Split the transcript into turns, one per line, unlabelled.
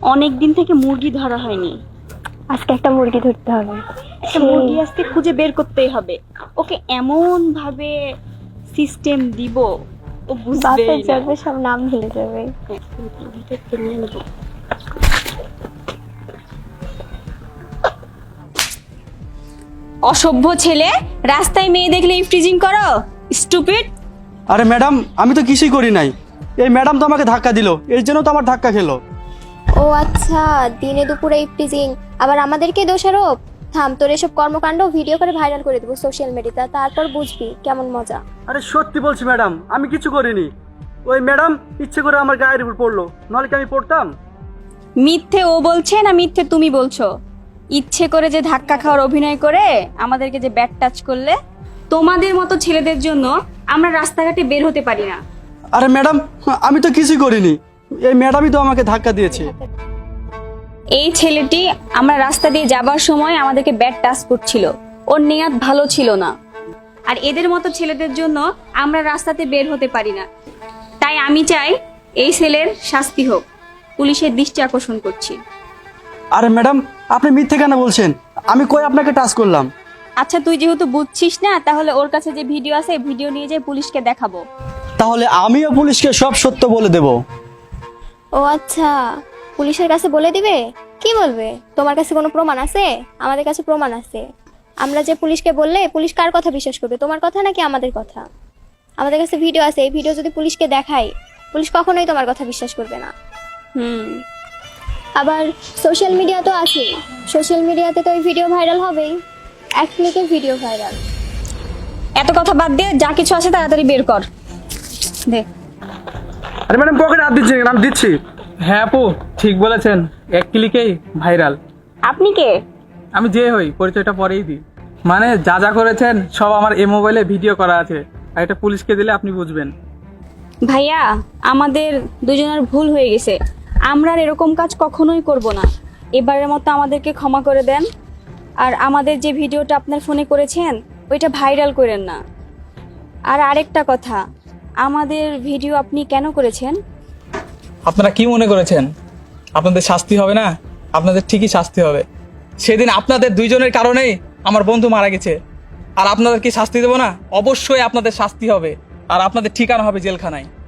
অনেক দিন থেকে মুরগি ধরা হয়নি।
আজকে একটা মুরগি ধরতে হবে।
একটা মুরগি আজকে খুঁজে বের করতেই হবে। ওকে এমন ভাবে সিস্টেম দিব ও বুঝবেই
বাসে
না।
যাবে, সব নাম ভুলে যাবে।
অসভ্য ছেলে, রাস্তায় মেয়ে দেখলে ইফটিজিং করো, স্টুপিড।
আরে ম্যাডাম, আমি তো কিছুই করি নাই। এই ম্যাডাম তো আমাকে ধাক্কা দিল, এর জন্য তো আমার ধাক্কা খেলো।
ও আচ্ছা, দিনে দুপুরে ইফটিজিং, আবার আমাদেরকে দোষারোপ। থাম, তোর এসব কর্মকাণ্ড ভিডিও করে ভাইরাল করে দেবো সোশ্যাল মিডিয়াতে, তারপর বুঝবি কেমন মজা।
আরে সত্যি বলছি ম্যাডাম, আমি কিছু করিনি। ওই ম্যাডাম ইচ্ছে করে আমার গায়ের উপর পড়লো, নাহলে কি আমি পড়তাম?
মিথ্যে ও বলছে না মিথ্যে তুমি বলছো? ইচ্ছে করে যে ধাক্কা খাওয়ার অভিনয় করে আমাদেরকে যে ব্যাড টাচ করলে, তোমাদের মতো ছেলেদের জন্য আমরা রাস্তাঘাটে বের হতে পারি না।
আরে ম্যাডাম, আমি তো কিছুই করিনি, এই ম্যাডামই তো আমাকে ধাক্কা দিয়েছে।
এই ছেলেটি আমরা রাস্তা দিয়ে যাবার সময় আমাদেরকে ব্যাড টাচ করছিল, ওর নিয়ত ভালো ছিল না। আর এদের মতো ছেলেদের জন্য আমরা রাস্তাতে বের হতে পারি না। তাই আমি চাই এই ছেলের শাস্তি হোক। পুলিশের দৃষ্টি আকর্ষণ করছি।
আরে ম্যাডাম, আপনি মিথ্যে কেন বলছেন? আমি কই আপনাকে টাচ করলাম?
আচ্ছা, তুই যেহেতু বুঝছিস না, তাহলে ওর কাছে যে ভিডিও আছে ভিডিও নিয়ে যেয়ে পুলিশকে দেখাবো।
তাহলে আমিও পুলিশকে সব সত্য বলে দেব।
ও আচ্ছা, পুলিশের কাছে বলে দিবে? কি বলবে? তোমার কাছে কোনো প্রমাণ আছে? আমাদের কাছে প্রমাণ আছে। আমরা যে পুলিশকে বললে পুলিশ কার কথা বিশ্বাস করবে, তোমার কথা নাকি আমাদের কথা? আমাদের কাছে ভিডিও আছে, এই ভিডিও যদি পুলিশকে দেখাই, পুলিশ কখনোই তোমার কথা বিশ্বাস করবে না। আবার সোশ্যাল মিডিয়া তো আছে, সোশ্যাল মিডিয়াতে তো এই ভিডিও ভাইরাল হবেই। এক ক্লিকে ভিডিও ভাইরাল।
এত কথা বাদ দিয়ে যা কিছু আছে তাড়াতাড়ি বের কর দে।
আরে ম্যাডাম, পকেটে হাত দিচ্ছি, আমি দিচ্ছি।
হ্যাঁ আপু, ঠিক বলেছেন, এক ক্লিকেই ভাইরাল।
আপনি কে?
আমি যে হই, পরিচয়টা পরেই দিই। মানে যা যা করেছেন সব আমার এই মোবাইলে ভিডিও করা আছে, আর এটা পুলিশকে দিলে আপনি বুঝবেন।
ভাইয়া, আমাদের দুজনের ভুল হয়ে গেছে, আমরা আর এরকম কাজ কখনোই করব না। এবারের মতো আমাদেরকে ক্ষমা করে দেন। আর আমাদের যে ভিডিওটা আপনার ফোনে করেছেন ওইটা ভাইরাল করেন না। আর আরেকটা কথা, আমাদের ভিডিও আপনি কেন করেছেন?
আপনারা কি মনে করেছেন আপনাদের শাস্তি হবে না? আপনাদের ঠিকই শাস্তি হবে। সেদিন আপনাদের দুইজনের কারণেই আমার বন্ধু মারা গেছে, আর আপনাদের কি শাস্তি দেবো না? অবশ্যই আপনাদের শাস্তি হবে, আর আপনাদের ঠিকানা হবে জেলখানায়।